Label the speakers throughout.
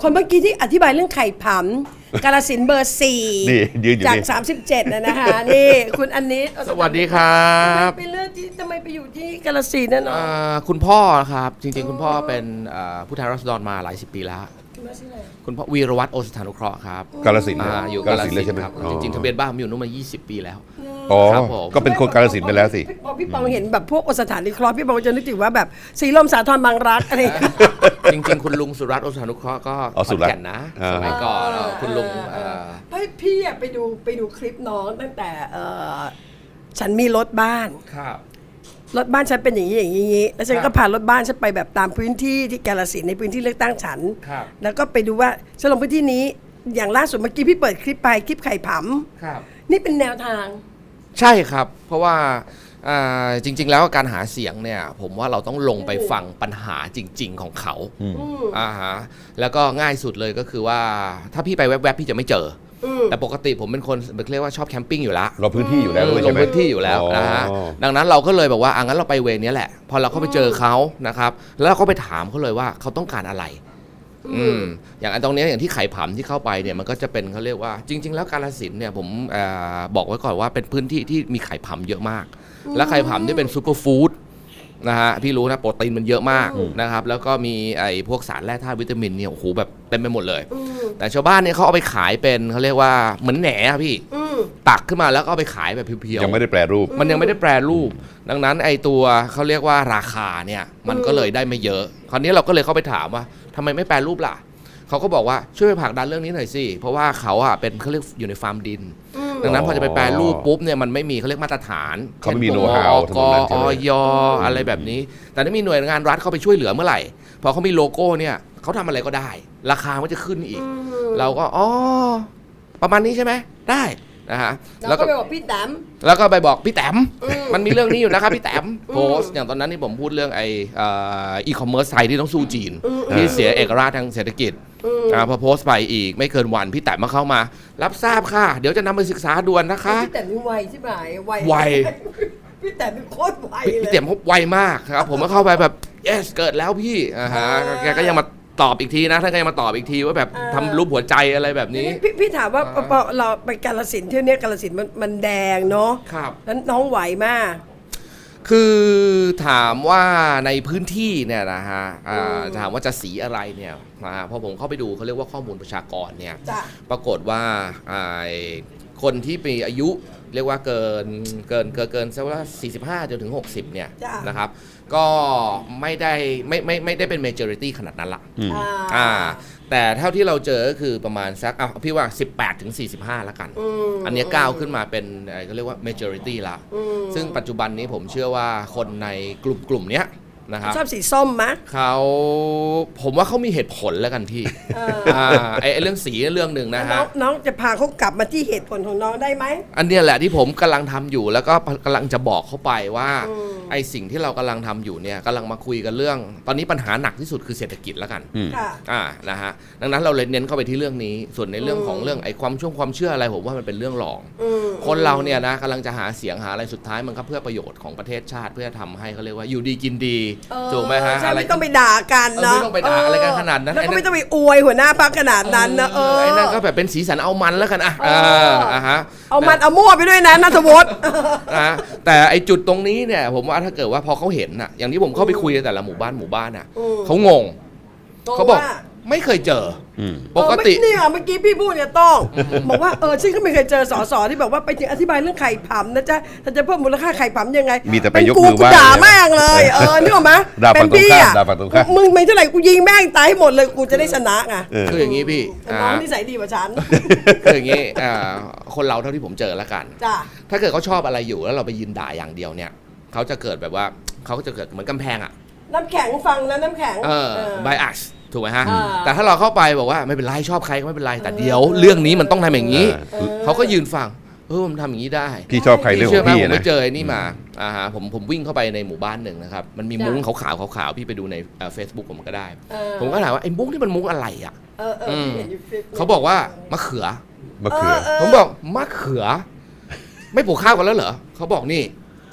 Speaker 1: คนเมื่อกี้ที่อธิบายเรื่องไข่ผำกาฬสินธุ์เบอร์ 4
Speaker 2: นี่ยืนอยู่
Speaker 1: จาก
Speaker 2: นี่
Speaker 1: 37นะคะนี่คุณอันนี้
Speaker 3: สวัสดีครับ
Speaker 1: เป็นเรื่องที่ทำไมไปอยู่ที่กาฬสินธุ์นั่นเนาะ
Speaker 3: คุณพ่อครับจริงๆคุณพ่อเป็นผู้แทนราษฎรมาหลายสิบปีแล้วคุณพ่อวีรวัฒน์โอสถานุเคราะห์ครับ
Speaker 2: กาฬสินธุ์
Speaker 3: อยู่
Speaker 2: กาฬสินธุ์เลยใช่ไหม
Speaker 3: ครับจริงๆทะเบียนบ้านผมอยู่นู้นมา20 ปีแล้ว
Speaker 2: อ๋อ
Speaker 3: ครับผม
Speaker 2: ก็เป็นคนกาฬสินธุ์ไปแล้วสิ
Speaker 1: พอพี่ปองเห็นแบบพวกสถานนิเคราะห์พี่ปองจะนึกถึงว่าแบบสีลมสาทรบางรักอะไรอย่างเงี้ย
Speaker 3: จริงๆคุณลุงสุรัตน์โอสถานุเคราะห์ก็
Speaker 2: อ๋อ
Speaker 3: ข
Speaker 2: สุ
Speaker 3: อน
Speaker 2: รัตน์
Speaker 3: แก่นนะ
Speaker 2: อ่า
Speaker 3: สมัยก่อนคุณลุง
Speaker 1: พี่อะไปดูคลิปน้องตั้งแต่ฉันมีรถบ้าน
Speaker 3: ครับ
Speaker 1: รถบ้านฉันเป็นอย่างนี้อย่างนี้แล้วฉันก็พารถบ้านฉันไปแบบตามพื้นที่ที่กาฬสินธุ์ในพื้นที่เลือกตั้งฉัน
Speaker 3: ครับ
Speaker 1: แล้วก็ไปดูว่าฉันลงพื้นที่นี้อย่างล่าสุดเมื่อกี้พี่เปิดคลิปไปคลิปไข่ผ
Speaker 3: ครับ
Speaker 1: ำนี่เป็นแนวทาง
Speaker 3: ใช่ครับเพราะว่าจริงๆแล้วการหาเสียงเนี่ยผมว่าเราต้องลงไปฟังปัญหาจริงๆของเขาฮะแล้วก็ง่ายสุดเลยก็คือว่าถ้าพี่ไปแวบๆพี่จะไม่เจอแต่ปกติผมเป็นคนเรียกว่าชอบแคมปิ้งอยู่แล้ว
Speaker 2: เราพื้นที่อยู่แล้วด้วย
Speaker 3: ล
Speaker 2: ใช่
Speaker 3: ง
Speaker 2: ไหม
Speaker 3: พื้นที่อยู่แล้วนะฮะ
Speaker 2: อ๋อ
Speaker 3: ดังนั้นเราก็เลยแบบว่างั้นเราไปเวรนี้แหละพอเราเข้าไปเจอเขานะครับแล้วเราก็ไปถามเขาเลยว่าเขาต้องการอะไรอย่างอันตรงนี้อย่างที่ไข่ผำที่เข้าไปเนี่ยมันก็จะเป็นเขาเรียกว่าจริงๆแล้วกาฬสินธุ์เนี่ยผมบอกไว้ก่อนว่าเป็นพื้นที่ที่มีไข่ผำเยอะมากและไข่ผำที่เป็นซูเปอร์ฟู้ดนะฮะพี่รู้นะโปรตีนมันเยอะมากนะครับแล้วก็มีไอ้พวกสารแร่ธาตุวิตามินเนี่ยโอ้โหแบบเต็มไปหมดเลยแต่ชาวบ้านเนี่ยเขาเอาไปขายเป็นเขาเรียกว่าเหมือนแหนอะพี่ตักขึ้นมาแล้วก็เอาไปขายแบบเพียวๆ
Speaker 2: ยังไม่ได้แปรรูป
Speaker 3: มันยังไม่ได้แปรรูป ดังนั้นไอ้ตัวเขาเรียกว่าราคาเนี่ยมันก็เลยได้ไม่เยอะ คราวนี้เราก็เลยเข้าไปถามว่าทำไมไม่แปรรูปล่ะเขาก็บอกว่าช่วยไปผลักดันเรื่องนี้หน่อยสิเพราะว่าเขาอะเป็นเขาเรียกอยู่ในฟาร์มดิน ดังนั้นพอจะไปแปรรูปปุ๊บเนี่ยมันไม่มีเขาเรียกมาตรฐาน
Speaker 2: เขาไม่มี
Speaker 3: ช่น
Speaker 2: know-how
Speaker 3: พวก
Speaker 2: ถนนนั้นใช่
Speaker 3: อ
Speaker 2: ไหม
Speaker 3: อยอะไรแบบนี้ แต่ถ้ามีหน่วยงานรัฐเข้าไปช่วยเหลือเมื่อไหร่พอเขามีโลโก้เนี่ยเขาทำอะไรก็ได้ ราคามันจะขึ้นอีก เราก็ประมาณนี้ใช่ไหมได้นะฮะ
Speaker 1: แล้วก็ไปบอกพี่แต้ม
Speaker 3: แล้วก็ไปบอกพี่แต้มมันมีเรื่องนี้อยู่นะครับพี่แต้มโพสต์อย่างตอนนั้นที่ผมพูดเรื่องอีคอมเมิร์ซไทยที่ต้องสู้จีนที่เสียเอกราชทางเศรษฐกิจพอโพสต์ไปอีกไม่เกินวันพี่แต้มมาเข้ามารับทราบค่ะเดี๋ยวจะนำไปศึกษาด่วนนะคะ
Speaker 1: พี่แต้มนี่ไวใช่ไหม
Speaker 3: ไว
Speaker 1: พี่แต้มเป็นโคตรไว
Speaker 3: พี่
Speaker 1: เลย
Speaker 3: แต้มเขาไวมากครับผมก็เข้าไปแบบ yes เกิดแล้วพี่แกก็ยังมาตอบอีกทีนะท่านก็ยังมาตอบอีกทีว่าแบบทำรูปหัวใจอะไรแบบนี้
Speaker 1: พี่ถามว่าพอเราไปกาฬสินธุ์เที่ยวนี้กาฬสินธุ์มันแดงเนาะ
Speaker 3: ครับ
Speaker 1: นั้นน้องไหวมาก
Speaker 3: คือถามว่าในพื้นที่เนี่ยนะฮะถามว่าจะสีอะไรเนี่ยพอผมเข้าไปดูเขาเรียกว่าข้อมูลประชากรเนี่ย
Speaker 1: จ้ะ
Speaker 3: ปรากฏว่าคนที่มีอายุเรียกว่าเกินสักว่า45จนถึง60เนี่ยนะครับก็ไม่ได้เป็น majority ขนาดนั้นละแต่เท่าที่เราเจอก็คือประมาณสักพี่ว่า18ถึง45แล้วกันอันนี้ก้าวขึ้นมาเป็นเขาเรียกว่า majority ละซึ่งปัจจุบันนี้ผมเชื่อว่าคนในกลุ่มเนี้ยนะครับ
Speaker 1: ชอบสีส้มมะ
Speaker 3: ผมว่าเขามีเหตุผลแล้วกันพี่ไอ้เรื่องสีเรื่องหนึ่งนะฮะ
Speaker 1: น้องจะพาเขากลับมาที่เหตุผลของน้องได้ไหม
Speaker 3: อันนี้แหละที่ผมกำลังทำอยู่แล้วก็กำลังจะบอกเขาไปว่าไอ้สิ่งที่เรากำลังทำอยู่เนี่ยกำลังมาคุยกันเรื่องตอนนี้ปัญหาหนักที่สุดคือเศรษฐกิจแล้วกันนะฮะดังนั้นเราเลยเน้นเข้าไปที่เรื่องนี้ส่วนในเรื่องของเรื่องไอ้ความเชื่ออะไรผมว่ามันเป็นเรื่องรองคนเราเนี่ยนะกำลังจะหาเสียงหาอะไรสุดท้ายมันก็เพื่อประโยชน์ของประเทศชาติเพื่อทำให้เขาเรียกว่าอยู่ดีกินดีถูกไหมฮะ
Speaker 1: ใช่ไม่ต้องไปด่ากันนะ
Speaker 3: ไม่ต้องไปด่าอะไรกันขนาดนั้น
Speaker 1: แล้วก็ไม่ต้องไปอวยหัวหน้าพรรคขนาดนั้นนะ
Speaker 3: ไอ้นั่นก็แบบเป็นสีสันเอามันแล้วกันฮะ
Speaker 1: เอามันเอามั่วไปด้วยนะนัทวุฒิ
Speaker 3: แต่ไอ้จุดตรงนี้เนี่ยผมว่าถ้าเกิดว่าพอเขาเห็นน่ะอย่างที่ผมเข้าไปคุยในแต่ละหมู่บ้านน่ะเขางงเขาบอกไม่เคยเจอปกติ
Speaker 1: นี่เมื่อกี้พี่พูดเนี่ยต้องบอกว่าฉันก็ไม่เคยเจอสสที่บอกว่าไปถึงอธิบายเรื่องไข่ผำนะจ๊ะถ้าจะเพิ่มมูลค่าไข่ผำยังไง
Speaker 2: มีแต่ไปยกมือว่า
Speaker 1: ด่าแม่งเลยนึกออกไหมเป็นพี่อ่ะมึงไม่เท่าไหร่กูยิงแม่งตายให้หมดเลยกูจะได้ชนะไง
Speaker 3: คืออย่างนี้พี่
Speaker 1: น้องนิสัยดีกว่าฉัน
Speaker 3: คืออย่างนี้คนเราเท่าที่ผมเจอแล้วกันถ้าเกิดเขาชอบอะไรอยู่แล้วเราไปยืนด่าอย่างเดียวเนี่ยเขาจะเกิดแบบว่าเขาจะเกิดเหมือนกำแพงอ่ะ
Speaker 1: น้ำแข็งฟังนะน้ำแข็ง
Speaker 3: bias ถูกไหมฮะแต่ถ้าเราเข้าไปบอกว่าไม่เป็นไรชอบใครก็ไม่เป็นไรแต่เดี๋ยวเรื่องนี้มันต้องทำอย่างนี้เขาก็ยืนฟังมันทำอย่างนี้ได้
Speaker 2: พี่ชอบใครเรื่องของพี่
Speaker 3: นะผมไปเจอนี่มาผมวิ่งเข้าไปในหมู่บ้านหนึ่งนะครับมันมีมุ้งขาวๆพี่ไปดูใน Facebook ผมก็ได้ผมก็ถามว่าไอ้มุ้งที่มันมุ้งอะไรอ่ะเขาบอกว่ามะเขือผมบอกมะเขือไม่ปลูกข้าวกันแล้วเหรอเขาบอกนี่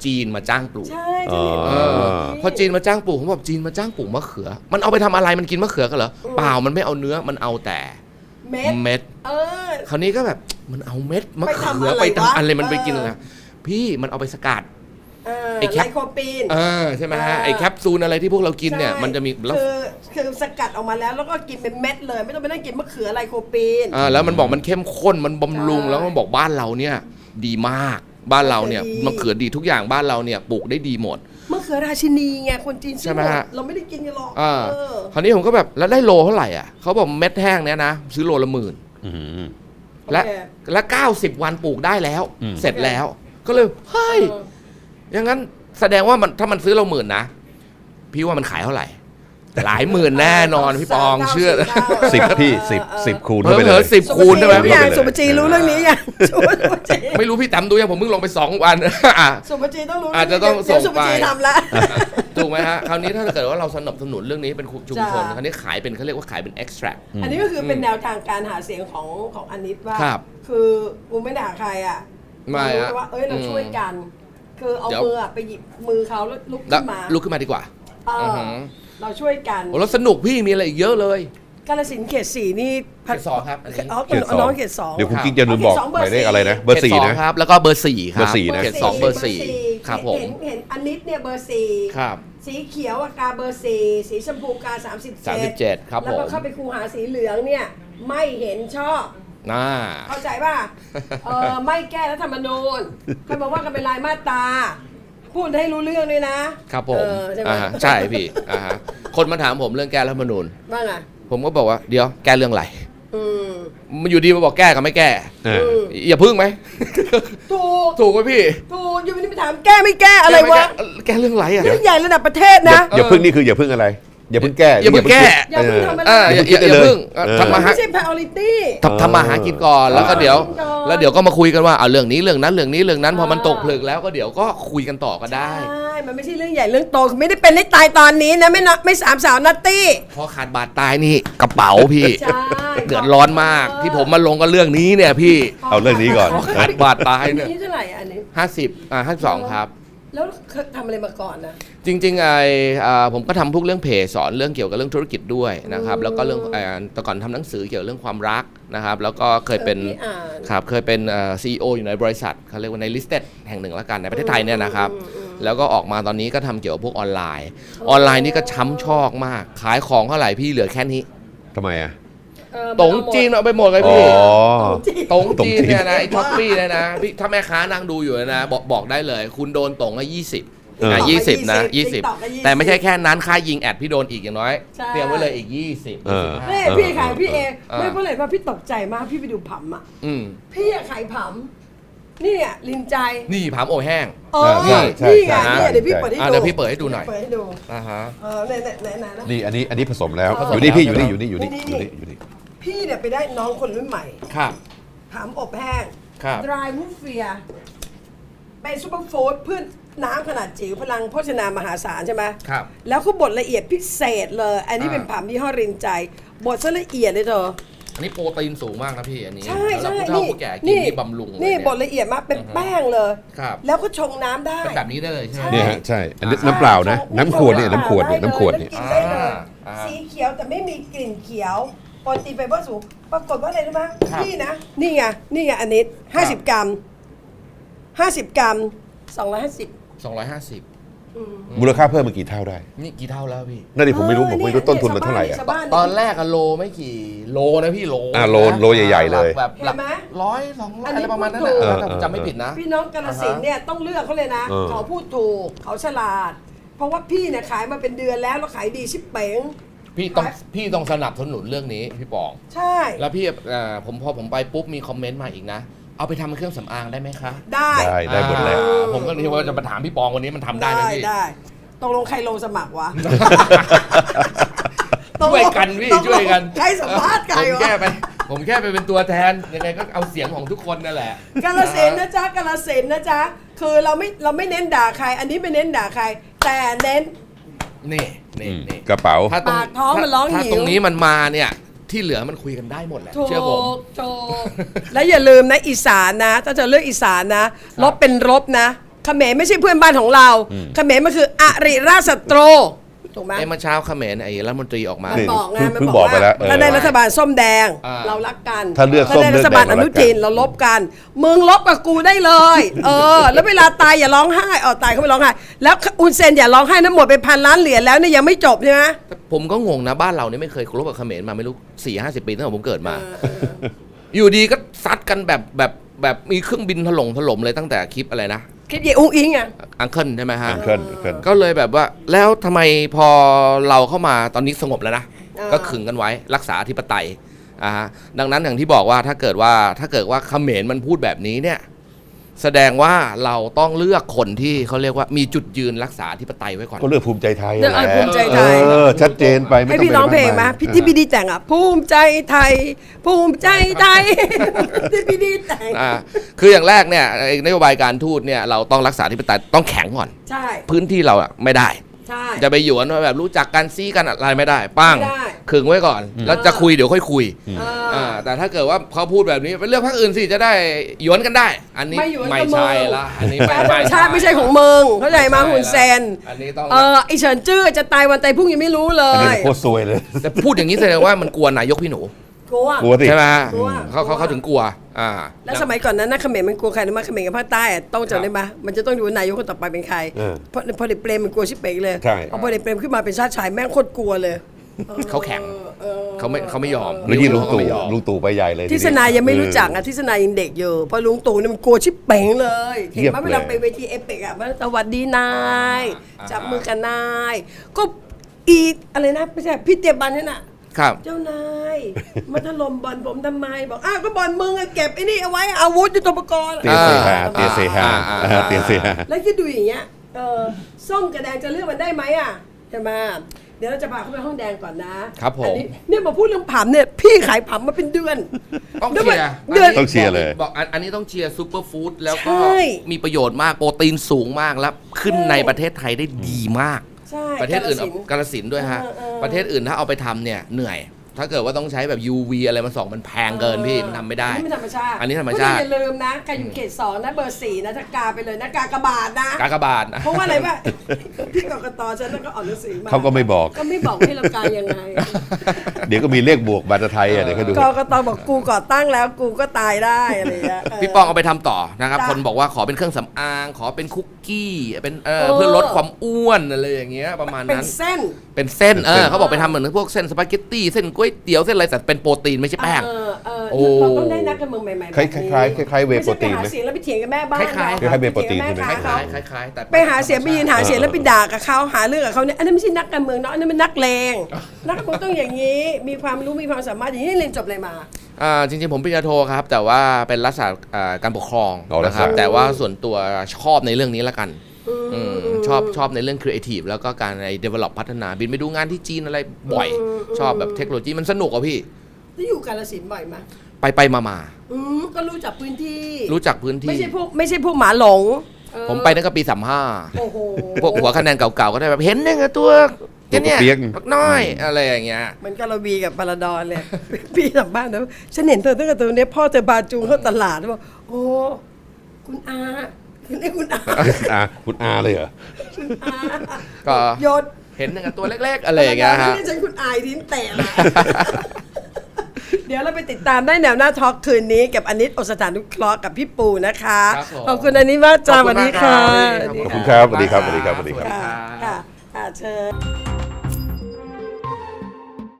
Speaker 3: จีนมาจ้างปลูก
Speaker 1: ใช่
Speaker 2: อ๋อ
Speaker 3: พอจีนมาจ้างปลูกผมบอกจีนมาจ้างปลูกมะเขือ มันเอาไปทำอะไรมันกินมะเขือกันเหรอเปล่ามันไม่เอาเนื้อมันเอาแต่
Speaker 1: เม็ด
Speaker 3: เม็ด
Speaker 1: เออ
Speaker 3: คราวนี้ก็แบบมันเอาเม็ดมะเขือ
Speaker 1: ไป
Speaker 3: ไป
Speaker 1: ทำอะไรวะ
Speaker 3: ทำอะไรมันไปกินอะไรพี่มันเอาไปสกัด ไอ้แค
Speaker 1: ไล
Speaker 3: ป
Speaker 1: โคปีน
Speaker 3: ใช่ไหมฮะไอ้แคปซูลอะไรที่พวกเรากินเนี่ย
Speaker 1: ใช่
Speaker 3: มันจะมีแล้ว
Speaker 1: คือสกัดออกมาแล้วก็กินเป็นเม็ดเลย ไม่ต้องไปนั่งกินมะเขือไลโคปีน
Speaker 3: แล้วมันบอกมันเข้มข้นมันบำรุง
Speaker 1: ใช่
Speaker 3: แล้วมันบอกบ้านเราเนี่ยดีมากบ้านเราเนี่ย
Speaker 1: ดี
Speaker 3: มะเขือดีทุกอย่างบ้านเราเนี่ยปลูกได้ดีหมด
Speaker 1: มะเขือราชินีไงคนจีน
Speaker 3: ใช่ไหมฮะ
Speaker 1: เราไม่ได้กินกันหรอก
Speaker 3: คราวนี้ผมก็แบบแล้วได้โลเท่าไหร่อ่ะเขาบอกเม็ดแห้งเนี่ยนะซื้อโลละ10,000
Speaker 2: อืม
Speaker 3: และ90 วันปลูกได้แล้ว
Speaker 2: อืม
Speaker 3: เสร็จแล้ว ก็เลยเฮ้ยอย่างนั้นแสดงว่ามันถ้ามันซื้อเรา10,000นะพี่ว่ามันขายเท่าไหร่ หลายหมื่นแน่นอนพี่ปองเชื่อ
Speaker 2: 10พี่10คูณ
Speaker 3: เผ
Speaker 2: เข้าไป
Speaker 3: ล
Speaker 2: เล
Speaker 3: อย ๆ10 คูณได้ไหม
Speaker 1: พี่
Speaker 3: พี่
Speaker 1: อย่างสุปจีรู้เรื่องนี้ยังสุปจี
Speaker 3: ไม่รู้พี่แต้มดูยังผมเพิ่งลงไป2 วัน
Speaker 1: สุปจีต้องรู้
Speaker 3: อาจจะต้อง
Speaker 1: เดี๋ยว
Speaker 3: ส่งไป
Speaker 1: สุปจีทำละ
Speaker 3: ถูกไหมฮะคราวนี้ถ้าเกิดว่าเราสนับสนุนเรื่องนี้เป็นชุมชน
Speaker 1: จ้ะ
Speaker 3: คราวนี้ขายเป็นเขาเรียกว่าขายเป็น extract
Speaker 1: อันนี้ก็คือเป็นแนวทางการหาเสียงของอนิตว่า
Speaker 3: ครับ
Speaker 1: คือกูไม่ด่าใครอ่ะ
Speaker 3: ไม่
Speaker 1: รู้
Speaker 3: อะ
Speaker 1: ว่าเราช่วยกัน คือเอา
Speaker 3: เดี๋ยว
Speaker 1: มือไปหยิบมือเขาแล้วลุก
Speaker 3: แล้ว
Speaker 1: ขึ้นมา
Speaker 3: ลุกขึ้นมาดีกว่า
Speaker 1: เออ
Speaker 3: หือ
Speaker 1: เราช่วยกัน
Speaker 3: โอ้แล้วสนุกพี่มีอะไรอีกเยอะเลย
Speaker 1: กาฬสินธุ์เขต 4นี่
Speaker 3: เขต 2ครับอันนี้
Speaker 1: อ๋อ
Speaker 2: เขต2
Speaker 1: น้องเขต 2
Speaker 2: เดี๋ยวคุณกิ๊กจะลืมบอก
Speaker 1: เขต2
Speaker 2: หมายเลขอะไรนะเบอร์
Speaker 3: ขต
Speaker 2: 4
Speaker 3: 2
Speaker 2: นะ
Speaker 3: ครับแล้วก็เบอร์ 4 ครับ
Speaker 2: เบอร์4นะ
Speaker 3: เขต 2 เบอร์ 4 ครับผม
Speaker 1: เห็นอนิตเนี่ยเบอร์ 4
Speaker 3: ครับ
Speaker 1: สีเขียวอะกาเบอร์ 4 สีชมพูกา
Speaker 3: 37 ครับ
Speaker 1: แล้ว
Speaker 3: ผ
Speaker 1: ก็
Speaker 3: ม
Speaker 1: เข้าไปคูหาสีเหลืองเนี่ยไม่เห็นชอบ
Speaker 3: น่า
Speaker 1: เข้าใจป่ะ ไม่แก้รัฐธรรมนูญเขาบอกว่ากันเป็นรายมาตราพูดให้รู้เรื่องเลยนะครับ
Speaker 3: ผม
Speaker 1: ใช่ไหม
Speaker 3: ใช่พี่ฮะคนมาถามผมเรื่องแก้รัฐธรรมนูญ
Speaker 1: ว่าไง
Speaker 3: ผมก็บอกว่าเดี๋ยวแก้เรื่องอะไร
Speaker 1: อืม
Speaker 3: มันอยู่ดีมาบอกแก้กับไม่แก้
Speaker 2: เออ
Speaker 3: อย่าพึ่งไหม
Speaker 1: ถูก
Speaker 3: ถูกไหมพี่
Speaker 1: ถูกอยู่ไม่ได้ไปถามแก้ไม่แก้อะไรวะ
Speaker 3: แก้เรื่องอะไรอ่ะ
Speaker 1: เรื่องใหญ่ระดับประเทศนะ
Speaker 2: อย่าพึ่งนี่คืออย่าพึ่งอะไร อย่าพึ่งแก้
Speaker 3: อย่าเพิ่งแก้
Speaker 1: อย่าเพิ่งทำอะไร
Speaker 3: อย่าพึ่งทำมา
Speaker 1: ไม่
Speaker 3: หา
Speaker 1: ใช่ priority
Speaker 3: ทำมาหากินก่อนแล้วก็เดี๋ยว
Speaker 1: ทำมาหากินก่อน
Speaker 3: แล้วเดี๋ยวก็มาคุยกันว่าเอาเรื่องนี้เรื่องนั้นเรื่องนี้เรื่องนั้นพอมันตกผลึกแล้วก็เดี๋ยวก็คุยกันต่อก็ได้
Speaker 1: ใช่มันไม่ใช่เรื่องใหญ่เรื่องโตไม่ได้เป็นให้ตายตอนนี้นะไม่สามสาวนัตตี้
Speaker 3: พอขาดบาดตายนี่กระเป๋าพี่
Speaker 1: ใช่
Speaker 3: เดือดร้อนมากที่ผมมาลงกับเรื่องนี้เนี่ยพี่
Speaker 2: เอาเรื่องนี้ก่อน
Speaker 3: ขาดบาดตายเนี่ย
Speaker 1: อันนี้เท่าไหร่อันนี้
Speaker 3: 52ครับ
Speaker 1: แล้วเคยทำอะไรมาก่อนนะ
Speaker 3: จริงๆผมก็ทำพวกเรื่องเพจสอนเรื่องเกี่ยวกับเรื่องธุรกิจด้วยนะครับแล้วก็เรื่องแต่ก่อนทำหนังสือเกี่ยวกับเรื่องความรักนะครับแล้วก็เคยเป็น
Speaker 1: พี่อ่าน
Speaker 3: ครับเคยเป็นCEO อยู่ในบริษัทเขาเรียกว่าใน listed แห่งหนึ่งแล้วกันในประเทศไทยเนี่ยนะครับแล้วก็ออกมาตอนนี้ก็ทำเกี่ยวกับพวกออนไลน์นี่ก็ช้ำชอกมากขายของเท่าไหร่พี่เหลือแค่นี้
Speaker 2: ทำไมอ่ะ
Speaker 3: ตงจีนเอาไปหมดเลย
Speaker 2: อ๋อ
Speaker 3: พี่
Speaker 1: จีน
Speaker 3: ตงจีนเนี่ยนะไอ้ท็อปปี้เนี่ยนะพี่ถ้าแม่ค้านั่งดูอยู่นะบอกได้เลย คุณโดนตง20 20 นะ 20 แต่ไม่ใช่แค่นั้นค่ายิงแอดพี่โดนอีกอย่างน้อย
Speaker 1: ใช่
Speaker 3: เตรียมไว้เลยอีก 20
Speaker 2: เออ
Speaker 1: นี่พี่ขายพี่เอง
Speaker 3: อ่า
Speaker 1: ไม่เพราะอะไรว่าพี่ตกใจมากพี่ไปดูผัมอ่ะ
Speaker 3: อืม
Speaker 1: พี่อะขายผัมนี่อ่ะลินใจ
Speaker 3: นี่ผามโอแห้ง
Speaker 1: อ๋อ
Speaker 2: ใช่ใช่
Speaker 1: นี่ไง
Speaker 2: ใช่
Speaker 1: นี่เดี๋ยวพี่เปิดให้ดู
Speaker 3: เดี๋ยวพี่เปิดให้ดูหน่อย
Speaker 1: เปิดให้ดู
Speaker 3: อ่าฮะ
Speaker 1: ไหนนะ
Speaker 2: นี่อันนี้ผสมแล้ว
Speaker 1: ผสม
Speaker 2: อยู่นี่พี่
Speaker 3: แล้ว
Speaker 2: อยู่นี่อยู่นี่อยู่นี่อยู่นี่
Speaker 1: พี่เนี่ยไปได้น้องคนรุ่นใหม่
Speaker 3: ครับ
Speaker 1: ผัมอบแห้ง
Speaker 3: ครับ
Speaker 1: ดรายมูฟเฟียเป็นซูเปอร์ฟู้ดเพื่อน้ำขนาดจิ๋วพลังโภชนามหาศาลใช่ไหม
Speaker 3: ครับ
Speaker 1: แล้วเขาบดละเอียดพิเศษเลย อันนี้เป็นผัมยี่ห้อรินใจบดซะละเอียดเลยเธอ
Speaker 3: อันนี้โปรตีนสูงมากนะพี่อันนี้
Speaker 1: ใช่
Speaker 3: แล้ว
Speaker 1: ใช่
Speaker 3: ผู้เฒ่าผู้แก่กินนี่บำรุงเลย
Speaker 1: นี่
Speaker 3: เย
Speaker 1: บดละเอียดมากเป็นแป้งเลย
Speaker 3: ครับ
Speaker 1: แล้วก็ชงน้ำได้
Speaker 3: เป็นแบบนี้ได้เลยใช่ไหม
Speaker 2: เนี่ยฮะใช่อันนี้น้ำเปล่านะ น้ำขวดเนี่ยน้ำขวดเนี่ยน้ำขวดเนี่ย
Speaker 1: กินได้เลย
Speaker 3: อ่า
Speaker 1: สีเขียวแต่ไม่มีกลิ่นเขียวโปรตีนไฟเบอร์สูงปรากฏว่าอะไรรู้ไหม
Speaker 3: ครับ
Speaker 1: นี่นะนี่ไงอันนี้50 กรัม50 กรัม250
Speaker 3: 250
Speaker 2: มูลค่าเพิ่มมากี่เท่าได้
Speaker 3: นี่กี่เท่าแล้วพี่
Speaker 2: นั่นดิผมไม่รู้ต้นทุนมันเท่าไหร่อ่ะ
Speaker 1: ชาวบ้าน
Speaker 3: ตอนแรกอะโลไม่กี่โลนะพี่โล
Speaker 2: โลใหญ่ๆเลย
Speaker 3: แบบหลัก
Speaker 1: เห็นไหม
Speaker 3: 100-200
Speaker 1: อัน
Speaker 3: อะ
Speaker 1: นี้
Speaker 3: ไรประมาณนั้น
Speaker 1: พูดถู
Speaker 3: นะ
Speaker 1: ก
Speaker 3: ถ้าผมจำไม่ผิดนะ
Speaker 1: พี่น้องกาฬสินธุ์เนี่ยต้องเลือกเขาเลยนะ
Speaker 2: เออ
Speaker 1: เขาพูดถูกเขาฉลาด เพราะว่าพี่เนี่ยขายมาเป็นเดือนแล้วขายดีชิบเป๋ง
Speaker 3: พี่ต้องสนับสนุนเรื่องนี้พี่ปอง
Speaker 1: ใช่
Speaker 3: แล้วพี่พอผมไปปุ๊บมีคอมเมนต์มาอีกนะ เอาไปทำเป็นเครื่องสำอางได้ไหมคะ
Speaker 1: ได้
Speaker 2: ได้หมดแล้ว
Speaker 3: ผมก็เลยว่าจะมาถามพี่ปองวันนี้มันทำได้ไหมพี่
Speaker 1: ได้ตกลงใครลงสมัครวะ
Speaker 3: ช่วยกันพี่
Speaker 1: ตกลง
Speaker 3: ช่วยกัน
Speaker 1: ใครสัมภาษณ์ใคร
Speaker 3: ผม
Speaker 1: วะ
Speaker 3: แค่ไปเป็นตัวแทนยังไงก็เอาเสียงของทุกคนนั่นแหละ
Speaker 1: กาฬสินธุ์นะจ๊ะกาฬสินธุ์นะจ๊ะคือเราไม่เน้นด่าใคร อันนี้ไม่เน้นด่าใคร แต่เน้น
Speaker 3: นี่
Speaker 2: กระเป๋า
Speaker 3: ถ้าตรง
Speaker 1: ปากท้องมันร้องหิว
Speaker 3: ถ้าตรงนี้มันมาเนี่ยที่เหลือมันคุยกันได้หมดแหละ
Speaker 1: ถูก
Speaker 3: เชื่อผม
Speaker 1: ถูกแล้วอย่าลืมนะอีสานนะถ้าจะเลือกอีสานนะลบเป็นลบนะเขมรไม่ใช่เพื่อนบ้านของเราเขมรมันคืออริราชศัตรูถูกไหม
Speaker 3: ไอ้เมื่อเช้าเขมรไอ้รัฐมนตรีออกมา
Speaker 1: มันบอกไงมัน
Speaker 2: เพิ่ง
Speaker 1: บบ อ
Speaker 2: อก กไป
Speaker 1: ว่า
Speaker 2: แล้ว
Speaker 1: ถ้าได้รัฐบาลส้มแดง
Speaker 3: อ่า
Speaker 1: เรารักกัน
Speaker 2: ถ้าเลือกส้ม
Speaker 1: ได้รัฐบาล
Speaker 2: เลื
Speaker 1: อ
Speaker 2: อกแดง
Speaker 1: นุทินเราลบกันมึงลบกับกูได้เลย แล้วเวลาตายอย่าร้องไห้ตายเขาไม่ร้องไห้แล้วอุนเซนอย่าร้องไห้นะหมดไป1,000,000,000 เหรียญแล้วเนี่ยยังไม่จบใช่ไหม
Speaker 3: แต่ผมก็งงนะบ้านเราเนี่ยไม่เคยรบกับเขมรมาไม่รู้4-50 ปีตั้งแต่ผมเกิดมา อยู่ดีก็ซัดกันแบบมีเครื่องบินถล่มเลยตั้งแต่คลิปอะไรนะ
Speaker 1: คิดเย่อุ้งอิงอ่ะ
Speaker 3: อังเคิลใช่ไหมฮะ
Speaker 2: เกิน
Speaker 3: ก็เลยแบบว่าแล้วทำไมพอเราเข้ามาตอนนี้สงบแล้วนะ
Speaker 1: อ่า
Speaker 3: ก็ขึงกันไว้รักษาอธิปไตยฮะดังนั้นอย่างที่บอกว่าถ้าเกิดว่าเขมรมันพูดแบบนี้เนี่ยแสดงว่าเราต้องเลือกคนที่เขาเรียกว่ามีจุดยืนรักษาอธิปไตยไว้ก่อน
Speaker 2: ก็เลือกภูมิใจไทย
Speaker 1: เลือกภูมิใจไทย
Speaker 2: ชัดเจนไปไม่
Speaker 1: ให้
Speaker 2: ต้อง
Speaker 1: พี่
Speaker 2: ไป
Speaker 1: ร้องเพลงไหม
Speaker 2: มาก
Speaker 1: พี่ที่พี่ดีแต่งอ่ะภูมิใจไทย ภูมิใจไทย ที่พี่ดีแต่ง
Speaker 3: คืออย่างแรกเนี่ยนโยบายการทูตเนี่ยเราต้องรักษาอธิปไตยต้องแข็งก่อน
Speaker 1: ใช่
Speaker 3: พื้นที่เราอะไม่ได้
Speaker 1: ใช่
Speaker 3: จะไปหยวนว่าแบบรู้จักกันซี้กันอะไรไม่ได้ปั้ง
Speaker 1: ไม่ได้
Speaker 3: ขึงไว้ก่อน แล้วจะคุยเดี๋ยวค่อยคุย
Speaker 1: เออ
Speaker 3: แต่ถ้าเกิดว่าเขาพูดแบบนี้ไปเลือกพรรคอื่นสิจะได้หยวนกันได้ อันนี้
Speaker 1: ไม่หยวนกับ
Speaker 3: ไม่ใช่ละอันนี้
Speaker 1: การธรรมชาติไม่ใช่ของมึงเข้าใจมาหุนเซน
Speaker 3: อันนี้ต้อง
Speaker 1: ไอเฉินจื้อจะตายวันตายพรุ่งยังไม่รู้เล
Speaker 2: อันนี้
Speaker 1: ย
Speaker 2: โคตรซวยเลย
Speaker 3: แต่พูดอย่างนี้แสดงว่ามันกลัวนายกพี่หนู
Speaker 1: กลัว
Speaker 2: กลัวสิ
Speaker 3: ใช่ไหม
Speaker 1: กลัว
Speaker 3: เขาถึงกลัวอ่า
Speaker 1: แล้วสมัยก่อนนั้นนะเขมรมันกลัวใครรู้ไหมเขมรกับภาคใต้อะต้องจำได้ไหมมันจะต้องดูว่านายกคนต่อไปเป็นใคร เพราะพอเด็กเปรมมันกลัวชิบเป๋งเลย
Speaker 2: ใช่
Speaker 1: พอเด็กเปรมขึ้นมาเป็นชาติชายแม่งโคตรกลัวเลย
Speaker 3: เขาแข็งเขาไม่ยอม
Speaker 2: แล้วยิ่งลุง
Speaker 3: เขา
Speaker 2: ตู่
Speaker 3: ไม่ยอม
Speaker 2: ลุงตู่ไปใหญ่เลย
Speaker 1: ทิศนายังไม่รู้จักอ่ะทิศนายังเด็กอยู่เพราะลุงตู่เนี่ยมันกลัวชิบเป๋งเลยเห็นไหมเวลาไปเวทีเอเปกอ่ะว่าสวัสดีนายจับมือกันนายก็อีอะไรนะไม่ใช่พี่เตียบันนี่น่ะ
Speaker 3: ครับ
Speaker 1: เจ้านายมาถล่มบอลผมทำไมบอกอ้าวก็บอลมึงอะเก็บไอ้นี่เอาไว้อาวุธยุทโธปกรณ์
Speaker 2: เตียเซฮาเตียเซฮาเตียเซฮา
Speaker 1: แล้วคิดดูอย่างเงี้ยส้มกับแดงจะเลือกมันได้ไหมอ่ะใช่ไหมเดี๋ยวเราจะพาเข้าไปห้องแดงก่อนนะครับ
Speaker 3: ผม
Speaker 1: อันนี้เนี่ยมาพูดเรื่องผัมเนี่ยพี่ขายผัมมาเป็นเดือน
Speaker 3: ต้องเชียร์
Speaker 1: เดือน
Speaker 2: ต้องเชียร์เลย
Speaker 3: บอกอันนี้ต้องเชียร์ซูเปอร์ฟู้ดแล้วก็
Speaker 1: ใช่
Speaker 3: มีประโยชน์มากโปรตีนสูงมากแล้วขึ้นในประเทศไทยได้ดีมาก
Speaker 1: ใช่
Speaker 3: ประเทศอื่น
Speaker 1: กาฬสินธุ์
Speaker 3: กาฬสินธุ์ด้วยฮะ ประเทศอื่นถ้าเอาไปทำเนี่ยเหนื่อย ถ้าเกิดว่าต้องใช้แบบ UV อะไรมาส่องมันแพงเกินพี่มันทำไม่ได้
Speaker 1: อันนี้ไม่ธรรมชาติ
Speaker 3: อันนี้ธรรมชาติ
Speaker 1: อย่าลืมนะใครอยู่เขต2นะเบอร์ 4นะถ้ากาไปเลยนะกากบาทนะ
Speaker 3: กากบาทนะ
Speaker 1: เพราะว่าอะไรวะพี่กกตฉันแล้วก็อ่านหนังสือมา
Speaker 2: เขาก็ไม่บอก
Speaker 1: ก็ไม่บอกให้เรากายังไง
Speaker 2: เดี๋ยวก็มีเลขบวกบัตรไทยอ่ะเดี๋ยวเขาดู
Speaker 1: กกตบอกกูก่อตั้งแล้วกูก็ตายได้อะไรอย่างเงี้ย
Speaker 3: พี่ป้องเอาไปทำต่อนะครับ
Speaker 1: จ้ะ
Speaker 3: คนบอกว่าขอเป็นเครื่องสำอางขอเป็นคุกกี้เป็นเพื่อลดความอ้วนอะไรอย่างเงี้ยประมาณ
Speaker 1: เป็น
Speaker 3: นั้น
Speaker 1: เส้น
Speaker 3: เป็นเส้นเขาบอกไปทำเหมือนพวกเส้นสปาเกตตี้เส้นก๋วยเตี๋ยวเส้นอะไรแต่เป็นโปรตีนไม่ใช่แป้ง โอ้
Speaker 1: เราต้องได้นักการเมืองใหม่ๆแบบ
Speaker 2: คล้ายๆคล้ายๆเวย์โปรตีนไหม
Speaker 1: ไม่ใช่ไปหาเสียงแล้วไปเถียงกับแม่บ้าน
Speaker 3: คล้ายๆ
Speaker 2: คล้ายๆเวย์โปรตีนใช่ไหม
Speaker 1: ค
Speaker 3: ค
Speaker 1: ล้า
Speaker 3: ล้าย ยๆคล้ายๆแต่
Speaker 1: ไปหาเสียงไปยืนหาเสียงแล้วไปด่ากับเขาหาเรื่องกับเขาเนี่ยอันนั้นไม่ใช่นักการเมืองเนาะอันนั้นเป็นนักเลงนักการเมืองต้องอย่างนี้มีความรู้มีความสามารถอย่างนี้เรียนจบอะไรมา
Speaker 3: จริงๆผมปริญญาโทครับ แต่ว่าเป็นรัฐศาสตร์การปกครอง
Speaker 2: อ๋อรัฐ
Speaker 3: นะค
Speaker 2: ศา
Speaker 3: รั
Speaker 2: ส
Speaker 3: บ
Speaker 2: ตร์
Speaker 3: แต่ว่าส่วนตัวชอบในเรื่องนี้ละกันชอบในเรื่องครีเอทีฟแล้วก็การใน develop พัฒนาบินไปดูงานที่จีนอะไรบ่อย ชอบแบบเทคโนโลยีมันสนุกอะพี่
Speaker 1: ที่อยู่กาฬสินธุ์บ่อยไหม
Speaker 3: ไปมา
Speaker 1: ก็รู้จักพื้นที่
Speaker 3: รู้จักพื้น
Speaker 1: ไม่
Speaker 3: ที่
Speaker 1: ใช่พวกหมาหลง
Speaker 3: ผมไปตั้งแต่ปี
Speaker 1: โอ้โห
Speaker 3: 35พวกหัวคะแนนเก่าๆก็ได้แบบเห็นเนี่ยตัวเนี่ย
Speaker 2: เปี๊ยก
Speaker 3: บักน้อยอะไรอย่างเงี้ย
Speaker 1: เหมันกาลาวีกับปาราดอนเลย พี่สัมภาษณ์นะฉันเห็นเธอตั้งแต่ตัวเนี้ยพ่อเธอพาจูงเข้าตลาดแล้วบอกโอ้คุณอาคุณนี่คุณอา
Speaker 2: คุณอาเลยเหรอ
Speaker 1: อา
Speaker 3: ก็
Speaker 1: ยศ
Speaker 3: เห็นเนี่ยตัวเล็กๆอะไรอย่างเงี้ยฮะ
Speaker 1: นี่ฉันคุณอายทิ้งแตะละเดี๋ยวเราไปติดตามได้แนวหน้าทอล์กคืนนี้กับอนิตโอสถานุเคราะห์กับพี่ปูนะคะ
Speaker 3: ครับผม
Speaker 1: ขอบคุณอนิตมากจ้า
Speaker 3: ขอบ
Speaker 1: ส
Speaker 3: คุ
Speaker 1: วั
Speaker 3: ณ
Speaker 1: ส
Speaker 3: มา
Speaker 1: ดี
Speaker 3: ก
Speaker 1: ค่ะ
Speaker 3: รับ
Speaker 2: ขอบคุณครับสวัสดีครับสวัสดีครับสวัสดีครับ
Speaker 1: ค่ะเชิญ